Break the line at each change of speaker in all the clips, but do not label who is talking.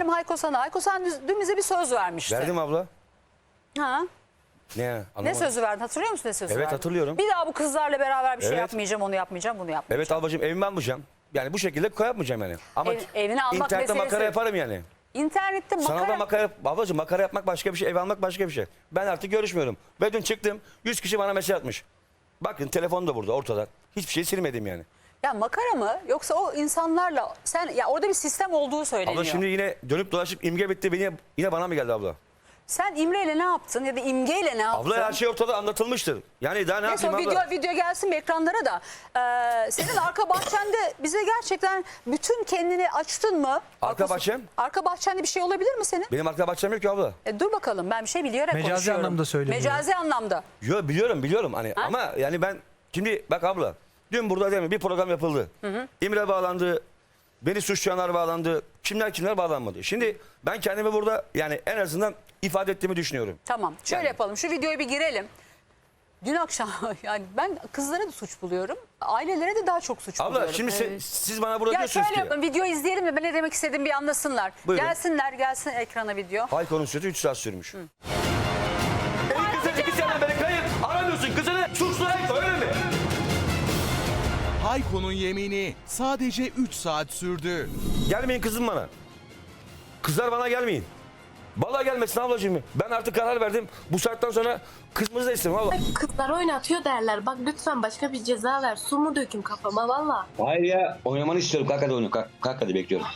Gelelim Hayko sana. Hayko sen dün bize bir söz vermiştin.
Verdim abla.
Ha?
Ne?
Ne
Anlamadım.
sözü verdin? Hatırlıyor musun ne sözü
Evet,
verdin?
hatırlıyorum.
Bir daha bu kızlarla beraber bir şey
Evet.
yapmayacağım, onu yapmayacağım, bunu yapmayacağım.
Evet ablacığım, evimi almayacağım. Yani bu şekilde yapmayacağım yani. Ama
Evini almak
internette
meselesi.
makara yaparım yani.
İnternette makara.
Sanalda makara, ablacığım makara yapmak başka bir şey, ev almak başka bir şey. Ben artık görüşmüyorum. Ve dün çıktım, 100 kişi bana mesaj atmış. Bakın telefon da burada ortada. Hiçbir şey silmedim yani.
Ya makara mı? Yoksa o insanlarla sen ya orada bir sistem olduğu söyleniyor.
Abla şimdi yine dönüp dolaşıp imge bitti, yine bana mı geldi abla?
Sen İmre'yle ne yaptın ya da İmge'yle ne yaptın?
Abla her şey ortada anlatılmıştır. Yani daha ne
Neyse,
yapayım
o
abla?
video gelsin mi ekranlara da. Senin arka bahçende bize gerçekten bütün kendini açtın mı?
Arka bahçem?
Arka bahçende bir şey olabilir mi senin?
Benim arka bahçem yok ki abla.
Dur bakalım, ben bir şey biliyorum.
Mecazi anlamda söyleniyor.
Mecazi anlamda.
Yo, biliyorum hani ama yani ben şimdi bak abla, dün burada değil mi bir program yapıldı. İmre bağlandı, beni suçlayanlar bağlandı, kimler bağlanmadı. Şimdi ben kendimi burada yani en azından ifade ettiğimi düşünüyorum.
Tamam, şöyle
Yani.
yapalım, şu videoya bir girelim. Dün akşam yani ben kızlara da suç buluyorum, ailelere de daha çok suç
Abla
buluyorum.
şimdi siz bana burada
Ya
diyorsunuz
şöyle
ki
yapın, videoyu izleyelim ve ben ne demek istediğimi bir anlasınlar.
Buyurun.
Gelsin ekrana video.
Hayko'nun sözü 3 saat sürmüş. Ey kızın 2 sene beri kayıp aramıyorsun kızını, suçlu Hayko öyle mi?
Hayko'nun yemini sadece 3 saat sürdü.
Gelmeyin kızım bana. Kızlar bana gelmeyin. Vallahi gelmesin ablacığım. Ben artık karar verdim. Bu saatten sonra kızımızı da istemem abla.
Kızlar oynatıyor derler. Bak lütfen başka bir ceza ver. Su mu döküm kafama valla.
Hayır ya, oynamanı istiyorum. Kalk hadi oyna. Kalk hadi bekliyorum.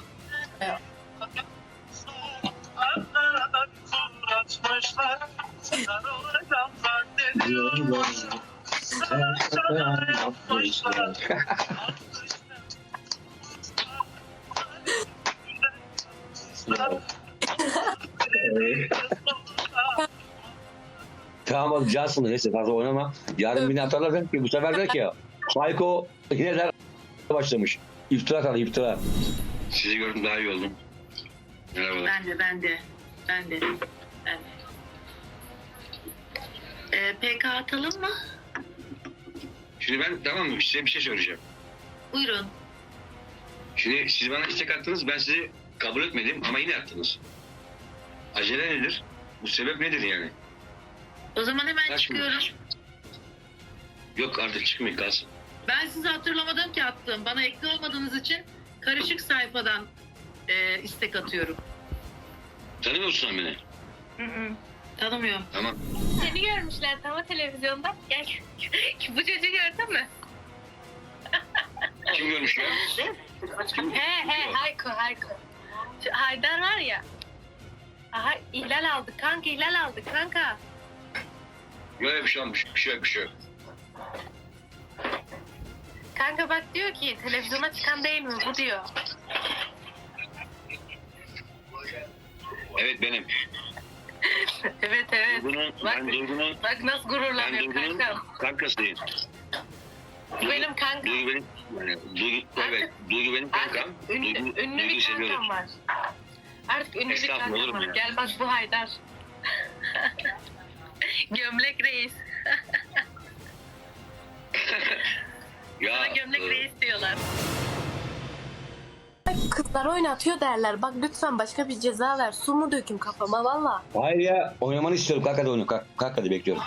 Tamam oğlum, cansın da neyse fazla oynama. Yarın beni atarlar ki bu sefer der ki ya. Hayko yine der başlamış. İftira kaldı iftira. Sizi gördüm daha iyi oldum. Merhabalar.
Ben de. PK atalım mı?
Şimdi ben tamam mı size bir şey söyleyeceğim.
Buyurun.
Şimdi siz bana istek attınız, ben sizi kabul etmedim ama yine attınız. Acele nedir? Bu sebep nedir yani?
O zaman hemen
Kaç mı?
çıkıyorum.
Yok artık çıkmayın kalsın.
Ben sizi hatırlamadım ki attım. Bana ekli olmadığınız için karışık sayfadan istek atıyorum.
Tanıyor musun sen beni?
Tanımıyorum.
Tamam.
Seni görmüşler tamam televizyonda. Gel. Bu çocuğu gördün mü?
Kim görmüş ya?
He Hayko. Şu Haydar var ya. Aha ihlal aldık kanka.
Böyle bir şey olmuş. Bir şey yok.
Kanka bak diyor ki televizyona çıkan değil mi bu diyor.
Evet benim.
Evet. Bak nasıl
Ben
gururlanıyor
Duygu'nun
kankam.
kankasıyım.
Bu benim kankam.
Duygu benim, evet, Duygu benim kankam.
Artık ünlü
Duygu'yu
bir
seviyorum.
kankam var. Artık ünlü bir
Estağfurullah, olur
kankam
mu
var.
ya?
Gel bak bu Haydar. Gömlek reis.
Ya,
Gömlek reis diyorlar.
Kızlar oynatıyor derler. Bak lütfen başka bir ceza ver. Su mu döküm kafama valla.
hayır ya, oynamanı istiyorum. Kalk hadi oyna. Kalk hadi bekliyorum.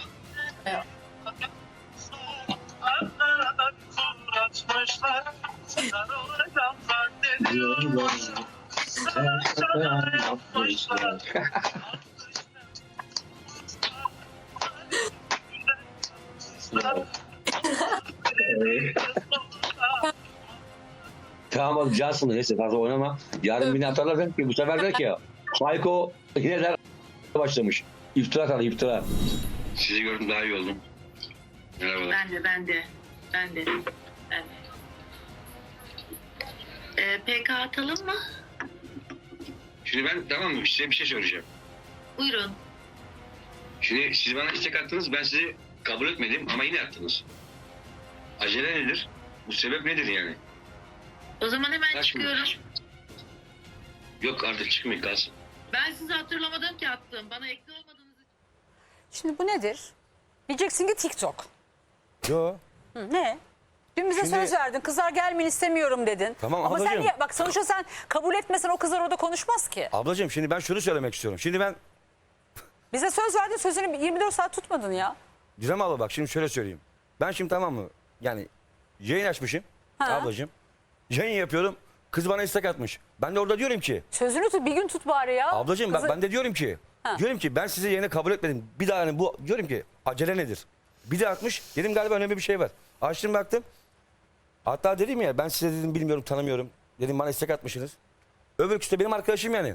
Tamam oğlum, cansın da neyse fazla oynama. Yarın beni atarlar ki bu sefer der ki ya. Hayko yine der başlamış. İftira kaldı iftira. Sizi gördüm daha iyi oldum. Merhabalar.
Ben de. PK atalım mı?
Şimdi ben tamam mı size bir şey söyleyeceğim.
Buyurun.
Şimdi siz bana istek attınız, ben sizi kabul etmedim ama yine attınız. Acele nedir? Bu sebep nedir yani?
O zaman hemen
Kaç mı?
çıkıyorum.
Yok artık çıkmayın kalsın.
Ben sizi hatırlamadım ki attım. Bana ekli olmadığınız için.
Şimdi bu nedir? Diyeceksin ki TikTok.
Yo.
Ne? Dün bize
Şimdi-
söz verdin. Kızlar gelmeyin istemiyorum dedin.
Tamam
Ama sen
ablacığım.
niye? Bak sonuçta sen kabul etmesen o kızlar orada konuşmaz ki.
Ablacığım şimdi ben şunu söylemek istiyorum. Şimdi ben
Bize söz verdin, sözünü 24 saat tutmadın ya.
Didem abla bak şimdi şöyle söyleyeyim. Ben şimdi tamam mı? Yani yayın açmışım
Ha.
ablacığım. Yayın yapıyorum. Kız bana istek atmış. Ben de orada diyorum ki
Sözünü tut, bir gün tut bari ya.
ablacığım
Kızı-
bak ben de diyorum ki
Ha.
ben sizi yayına kabul etmedim. Bir daha hani bu diyorum ki acele nedir? Bir de atmış. Dedim galiba önemli bir şey var. Açtım baktım. Hatta dedim ya ben size dedim bilmiyorum tanımıyorum. Dedim bana istek atmışsınız. Öbür kız da benim arkadaşım yani.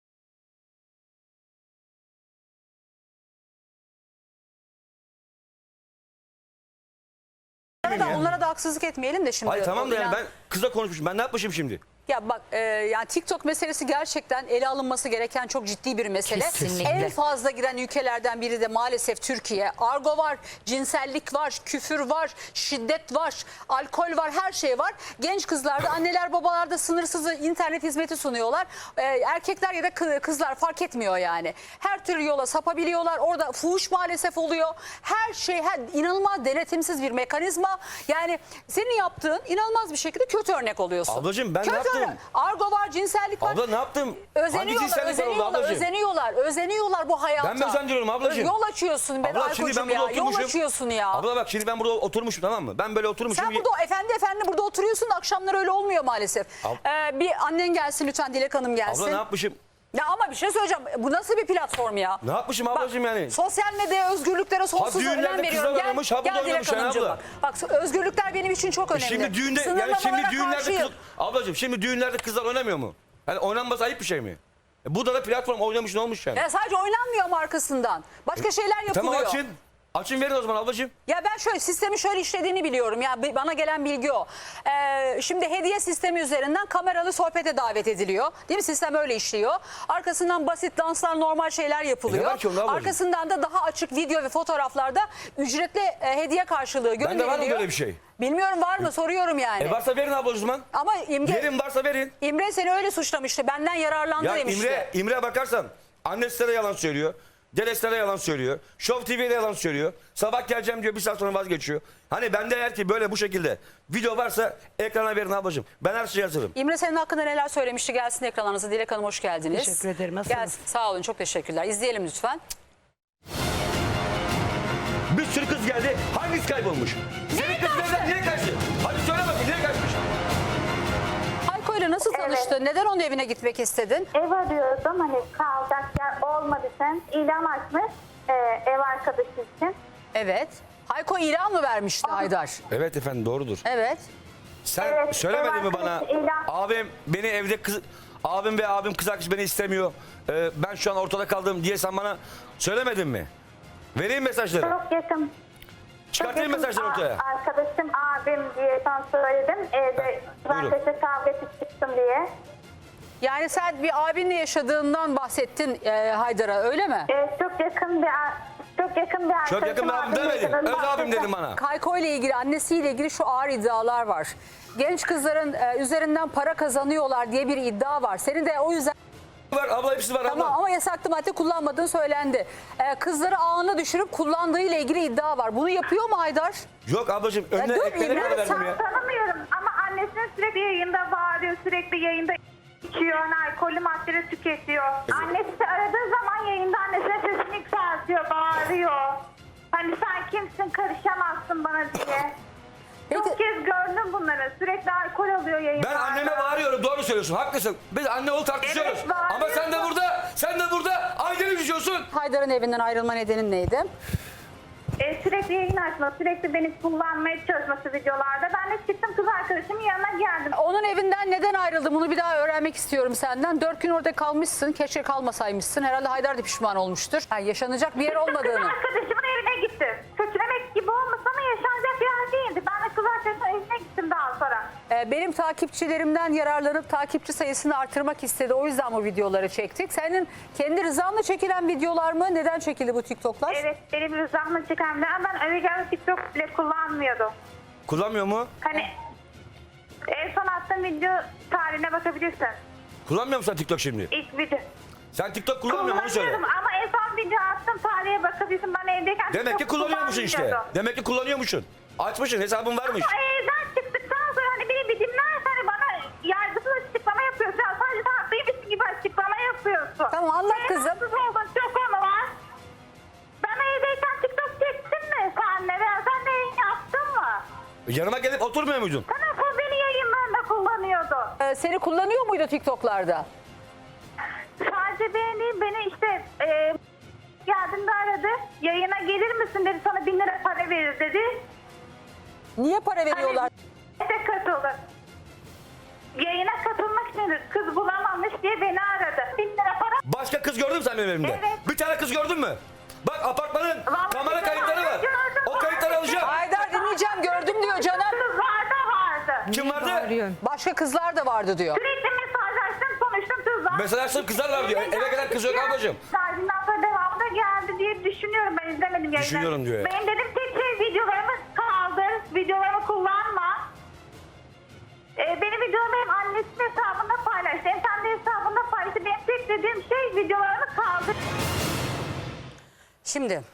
Onlara da haksızlık etmeyelim de şimdi.
Hayır tamam da yani
İnan-
ben kızla konuşmuşum. Ben ne yapmışım şimdi?
Ya bak yani TikTok meselesi gerçekten ele alınması gereken çok ciddi bir mesele.
Kesinlikle.
En fazla giren ülkelerden biri de maalesef Türkiye. Argo var, cinsellik var, küfür var, şiddet var, alkol var, her şey var. Genç kızlarda anneler babalarda sınırsız internet hizmeti sunuyorlar. Erkekler ya da kızlar fark etmiyor yani. Her türlü yola sapabiliyorlar. Orada fuhuş maalesef oluyor. Her şey inanılmaz denetimsiz bir mekanizma. Yani senin yaptığın inanılmaz bir şekilde kötü örnek oluyorsun.
Ablacığım ben ne
Kötü
yaptım?
örnek. Argo var, cinsellik var.
Abla ne yaptım? Hangi
Özeniyorlar,
cinsellik var orada ablacığım?
özeniyorlar bu hayata.
Ben mi özendiriyorum ablacığım?
Yol açıyorsun be
Abla şimdi ben
Aykocuğum
burada
ya. Yol
oturmuşum.
açıyorsun ya.
Abla bak şimdi ben burada oturmuşum tamam mı? Ben böyle oturmuşum.
Sen burada efendi burada oturuyorsun da akşamlar öyle olmuyor maalesef. Bir annen gelsin lütfen, Dilek Hanım gelsin.
Abla ne yapmışım?
Ya ama bir şey söyleyeceğim. Bu nasıl bir platform ya?
Ne yapmışım ablacığım yani?
Sosyal medya özgürlüklere sonsuz
düğünlerde
önem
kızlar
veriyorum.
oynamış, ha bu da
Dilek
oynamış yani
Hanımcığım
abla.
bak özgürlükler benim için çok önemli.
Şimdi düğünde
Sınırlamalara karşıyım.
ablacığım şimdi düğünlerde kızlar oynamıyor mu? Yani oynanması ayıp bir şey mi? Burada da platform oynamış ne olmuş yani?
Ya sadece oynanmıyor mu arkasından? Başka şeyler yapılıyor.
Tamam açın. Açın verin o zaman ablacığım.
Ya ben sistemin şöyle işlediğini biliyorum. Ya bana gelen bilgi o. Şimdi hediye sistemi üzerinden kameralı sohbete davet ediliyor. Değil mi? Sistem öyle işliyor. Arkasından basit danslar, normal şeyler yapılıyor.
ne var ki onda ablacığım?
Arkasından da daha açık video ve fotoğraflarda ücretli hediye karşılığı gönderiliyor.
Bende var mı böyle bir şey?
Bilmiyorum var mı, soruyorum yani.
Varsa verin abla o zaman.
Ama
Verin varsa verin.
İmre seni öyle suçlamıştı. Benden yararlandı
Ya
demişti.
İmre bakarsan annesi de yalan söylüyor. Dedesi de yalan söylüyor. Show TV'de yalan söylüyor. Sabah geleceğim diyor, bir saat sonra vazgeçiyor. Hani bende eğer ki böyle bu şekilde video varsa ekrana verin ablacığım. Ben her şeye hazırım.
İmre senin hakkında neler söylemişti, gelsin ekranlarınıza. Dilek Hanım hoş geldiniz.
Teşekkür ederim, nasılsınız?
Gelsin, sağ olun, çok teşekkürler. İzleyelim lütfen.
Bir sürü kız geldi. Hangisi kaybolmuş? Senin kız nereden? Niye kaçtı? Hadi söyle bakayım niye kaçmış?
Hayko ile nasıl tanıştın? Neden onun evine gitmek istedin?
Ev arıyordum, hani kalacak yer olmadı için ilan açmış ev arkadaşı için.
Evet. Hayko ilan mı vermişti Haydar?
Evet efendim doğrudur.
Evet.
Sen
Evet,
söylemedin mi
evet,
bana?
ilan.
Abim beni evde abim kız arkadaşı beni istemiyor. Ben şu an ortada kaldım diye sen bana söylemedin mi? Vereyim mesajları.
Çok yakın.
Çıkartayım
çok yakın
mesajları ortaya.
Arkadaşım abim diye sana söyledim. Evde
buyurun.
arkadaşa kavga edip çıktım diye.
Yani sen bir abinle yaşadığından bahsettin Haydar'a, öyle mi?
Çok yakın bir arkadaşım.
Çok yakın bir abim
abimle
demedim.
yaşadığını
Öz abim
bahsettim.
dedim bana.
Hayko ile ilgili, annesiyle ilgili şu ağır iddialar var. Genç kızların üzerinden para kazanıyorlar diye bir iddia var. Senin de o yüzden
Var abla hepsi var
tamam
abla.
ama yasaklı madde kullanmadığın söylendi. Kızları ağına düşürüp kullandığı ile ilgili iddia var. Bunu yapıyor mu Haydar?
Yok ablacığım önüne
dur,
eklene
İmran,
kadar verdim ya.
Tanımıyorum ama annesinin sürekli yayında bağırıyor, sürekli yayında içiyor, alkollü maddeleri tüketiyor. Annesi aradığı zaman yayında annesine sesini yükseltiyor, bağırıyor. Hani sen kimsin, karışamazsın bana diye. Çok
Peki,
kez gördüm bunları. Sürekli alkol alıyor yayında.
Ben anneme bağırıyorum doğru söylüyorsun haklısın. Biz anne oğul tartışıyoruz.
Evet, bağırıyorsun.
Ama sen de burada aydın düşüyorsun.
Haydar'ın evinden ayrılma nedenin neydi?
Sürekli yayın açma, sürekli beni kullanmaya çalışması videolarda. Ben de çıktım kız arkadaşımın yanına geldim.
Onun evinden neden ayrıldın? Bunu bir daha öğrenmek istiyorum senden. 4 gün orada kalmışsın. Keşke kalmasaymışsın. Herhalde Haydar da pişman olmuştur. Yani yaşanacak bir yer
Kız
olmadığını.
arkadaşımın evine gittim. Kötülemek gibi olmasa ama yaşanacak bir yer değildi. Ben de kız arkadaşımın evine gittim daha sonra.
Benim takipçilerimden yararlanıp takipçi sayısını artırmak istedi. O yüzden bu videoları çektik. Senin kendi rızanla çekilen videolar mı? Neden çekildi bu TikTok'lar?
Evet, benim rızamla çıkan ben öyle TikTok bile kullanmıyordum.
Kullanmıyor mu?
Hani en son attığım video tarihine bakabilirsin.
Kullanmıyor musun sen TikTok şimdi?
İlk video.
Sen TikTok kullanmıyor musun onu söyle.
Kullanıyordum ama en son video attım tarihe bakabilirsin. Ben evdeyken
Demek ki
TikTok
kullanıyormuşsun işte.
kullanmıyordum.
Demek ki kullanıyormuşsun. Açmışsın hesabın varmış.
Ama evden
Tamam anlat kızım.
Rahatsız oldun, çok konu var. Ben evdeyken TikTok çektin mi senle? Veya sen de yayın yaptın mı?
Yanıma gelip oturmuyor muydun?
Sen asıl beni yayınlarında kullanıyordun.
Seni kullanıyor muydu TikTok'larda?
Sadece beni işte geldiğinde aradı. Yayına gelir misin dedi, sana 1000 lira para verir dedi.
Niye para veriyorlar?
Hani katılır. Yayına katılmak için kız bulamamış diye beni aradı. 1000 lira para.
Başka kız gördün mü sen benim evimde?
Evet.
Bir tane kız gördün mü? Bak apartmanın
Vallahi
kamera kayıtları var.
gördüm.
O kayıtları alacağım.
Haydar dinleyeceğim gördüm diyor canım.
Kızlar da vardı.
Kim vardı?
Başka kızlar da vardı diyor.
Sürekli mesajlaştım, konuştum kızlar.
Mesajlaştım, kızlar var diyor. Eve gelen kız yok ablacığım.
Derdinden sonra devamında geldi diye düşünüyorum, ben izlemedim yayını.
Düşünüyorum diyor ya.
Benim dedim tek şey videolarımı kaldır, videolarımı kullanma. Benim videolarımı hem annesinin hesabında paylaştı hem kendi hesabında paylaştı. Benim tek dediğim şey videolarımı kaldır.
Şimdi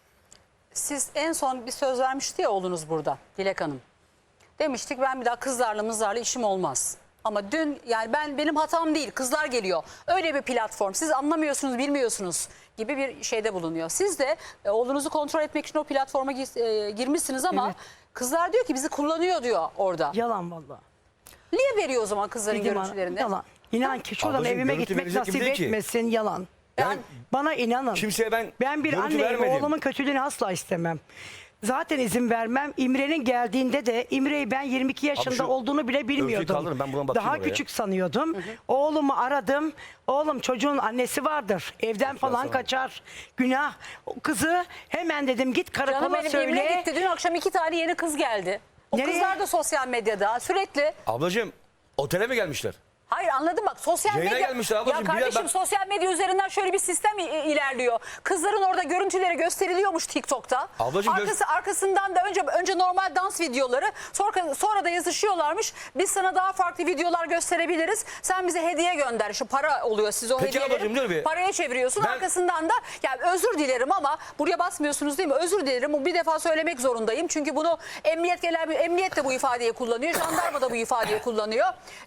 siz en son bir söz vermişti ya oğlunuz burada Dilek Hanım. Demiştik ben bir daha kızlarla mızlarla işim olmaz. Ama dün yani benim hatam değil, kızlar geliyor. Öyle bir platform, siz anlamıyorsunuz bilmiyorsunuz gibi bir şeyde bulunuyor. Siz de oğlunuzu kontrol etmek için o platforma girmişsiniz ama kızlar diyor ki bizi kullanıyor diyor orada.
Yalan vallahi.
Niye veriyor o zaman kızların
Dedim bana,
görüntülerini?
yalan. İnan ki şuradan
Ablacığım,
evime
görüntü
gitmek
verecek gibi
nasip
değil ki.
etmesin, yalan.
Yani
Bana inanın.
kimseye ben
bir
görüntü
anneyim,
vermedim.
oğlumun kötülüğünü asla istemem. Zaten izin vermem. İmre'nin geldiğinde de İmre'yi ben 22 yaşında
şu
olduğunu bile
örtüyü
bilmiyordum.
kaldırın, ben buna bakayım
Daha
oraya.
küçük sanıyordum. Oğlumu aradım. Oğlum çocuğun annesi vardır. Evden falan
sana.
kaçar. Günah. O kızı hemen dedim git
Canım
karakola
benim Emre
söyle.
gitti. Dün akşam 2 tane yeni kız geldi. O
Nereye?
kızlar da sosyal medyada sürekli.
Ablacığım otele mi gelmişler?
Hayır anladım bak sosyal
Yayına
medya.
gelmişler ablacığım,
Ya kardeşim
bak-
sosyal medya üzerinden şöyle bir sistem ilerliyor. Kızların orada görüntüleri gösteriliyormuş TikTok'ta.
Ablacığım,
Arkasından da önce normal dans videoları sonra da yazışıyorlarmış. Biz sana daha farklı videolar gösterebiliriz. Sen bize hediye gönder. Şu para oluyor siz o
Peki ablacığım, dur
hediyeleri
bir.
paraya çeviriyorsun.
Ben-
Arkasından da yani özür dilerim ama buraya basmıyorsunuz değil mi? Özür dilerim. Bu bir defa söylemek zorundayım. Çünkü bunu emniyet de bu ifadeyi kullanıyor. Jandarma da bu ifadeyi kullanıyor.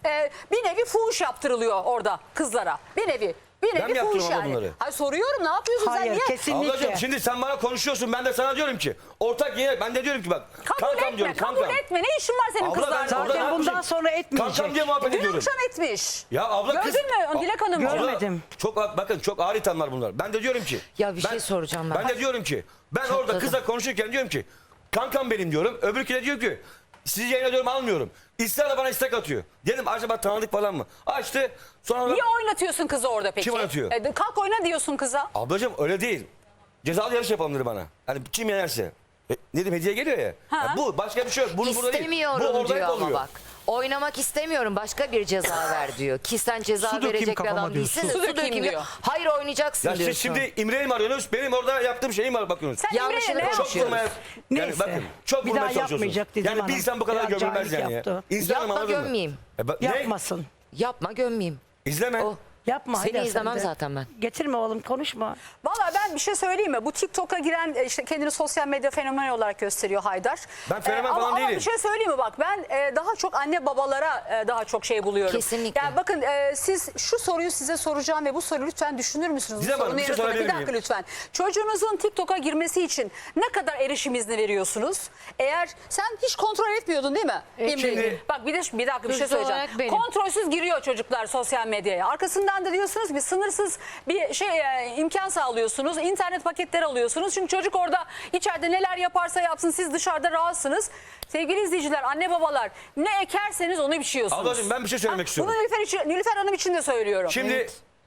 Bir nevi fuhuş yaptırılıyor orada kızlara. Bir nevi
mi
fuhuş
yaptırıyorum ama
yani.
bunları?
Hayır soruyorum ne yapıyorsun sen
Hayır
niye?
kesinlikle.
Ablacığım şimdi sen bana konuşuyorsun, ben de sana diyorum ki ortak yine ben de diyorum ki bak
Kabul etme,
diyorum
kabul etme. Ne işin var senin
Abla, ben
kızlarla?
orada ne
Zaten bundan
yapmışım?
sonra etmeyecek.
Kankam diye muhabbet
Dün
ediyorum.
akşam etmiş.
Ya abla kız.
Gördün mü Dilek Hanım?
Görmedim.
Abla,
Görmedim.
bakın çok ağır ithamlar bunlar. Ben de diyorum ki.
Ya bir şey soracağım ben.
Ben de diyorum ki ben orada
Çatladım.
kızla konuşurken diyorum ki kankam benim diyorum. Öbürkü de diyor ki sizi yayına diyorum almıyorum. İster bana istek atıyor. Dedim acaba tanıdık falan mı? Açtı sonra.
Niye oynatıyorsun kızı orada peki?
Kim oynatıyor?
Kalk oyna diyorsun kıza.
Ablacığım öyle değil. Cezalı yarış yapalım dedi bana. Hani kim yenerse. Ne dedim hediye geliyor ya.
Ha.
Ya bu başka bir şey yok. Bunu burada değil.
İstemiyorum
Bu orada
diyor
hep
ama
oluyor.
bak. Oynamak istemiyorum, başka bir ceza ver diyor. Ki sen ceza
Su dökeyim
verecek bir
kafama
adam
diyor,
değilsin
su.
de
Su
su
dökeyim
dökeyim
diyor.
diyor. Hayır oynayacaksın
Ya
diyorsun.
siz şimdi İmre'yi mi arıyorsunuz? Benim orada yaptığım şeyi mi bakıyorsunuz?
Sen
Yanlışını
İmre'yle ne
konuşuyoruz.
Çok vurmaya, yani
Neyse.
bakın çok
Bir
vurmaya
daha
çalışıyorsunuz.
yapmayacak dedim
Yani
hanım.
bir insan bu kadar
Biraz
gömülmez
cahillik
yani.
yaptı.
İnsanım,
Yapma
anladın mı?
gömmeyeyim.
Ne?
Yapmasın.
Yapma gömmeyeyim.
İzleme.
O.
Yapma.
Seni
Haydar,
izlemem
sen de.
zaten ben.
Getirme oğlum, konuşma.
Valla ben bir şey söyleyeyim mi? Bu TikTok'a giren işte kendini sosyal medya fenomeni olarak gösteriyor Haydar.
Ben fenomen
Ama
falan değilim.
bir şey söyleyeyim mi? Bak ben daha çok anne babalara daha çok şey buluyorum.
Kesinlikle.
Yani bakın siz şu soruyu size soracağım ve bu soruyu lütfen düşünür müsünüz? Bu
Gizem Hanım,
sorunun
bir şey
yanıtını.
sorabilir
Bir dakika
miyim?
lütfen. Çocuğunuzun TikTok'a girmesi için ne kadar erişim izni veriyorsunuz? Eğer sen hiç kontrol etmiyordun değil mi?
Şimdi-
Bak bir dakika bir şey
Hızlı
söyleyeceğim.
olarak benim.
Kontrolsüz giriyor çocuklar sosyal medyaya. Arkasından da diyorsunuz ki sınırsız bir imkan sağlıyorsunuz. İnternet paketleri alıyorsunuz. Çünkü çocuk orada içeride neler yaparsa yapsın siz dışarıda rahatsınız. Sevgili izleyiciler, anne babalar ne ekerseniz onu biçiyorsunuz.
Ablacığım ben bir şey söylemek istiyorum.
Bunu Nilüfer Hanım için de söylüyorum.
Şimdi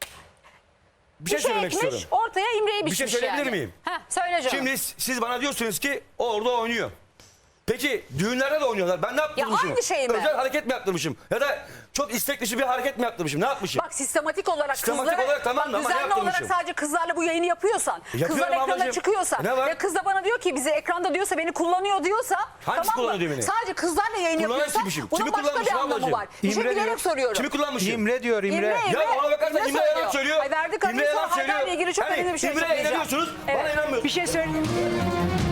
bir şey söylemek
ekmiş,
istiyorum.
ortaya İmre'yi biçmiş
şey söyleyebilir
yani.
miyim?
Heh, söyle canım.
Şimdi siz bana diyorsunuz ki o orada oynuyor. Peki düğünlerde de oynuyorlar. Ben ne yaptırmışım?
aynı şey mi?
Özel hareket mi yaptırmışım? Ya da çok istek dışı bir hareket mi yaptırmışım? Ne yapmışım?
Bak sistematik olarak
Sistematik
kızlara,
olarak tamam da ama ne
düzenli olarak
yaptırmışım?
sadece kızlarla bu yayını yapıyorsan,
Yapıyorum
kızlar ekrana
ablacığım.
çıkıyorsan
Ne var?
ve kız da bana diyor ki bize ekranda diyorsa beni kullanıyor diyorsa
Hangisi
tamam mı?
kullanıyor beni?
Sadece kızlarla yayın
Kullanan
yapıyorsan
kimmişim?
bunun
Kimi
başka bir
kullanmışım
anlamı
ablacığım?
var. Bir şey
İmre
bilerek
diyor.
soruyorum.
Kimi kullanmışım?
İmre diyor İmre.
İmre.
Ya ona bakarsan İmre yalan söylüyor.
Ay verdik adını
İmre
sonra
yalan söylüyor.
Haydar'la ilgili çok önemli bir şey
İmre'ye
söyleyeceğim.
inanıyorsunuz, bana
Evet.
inanmıyorsunuz.
Bir şey söyleyeyim.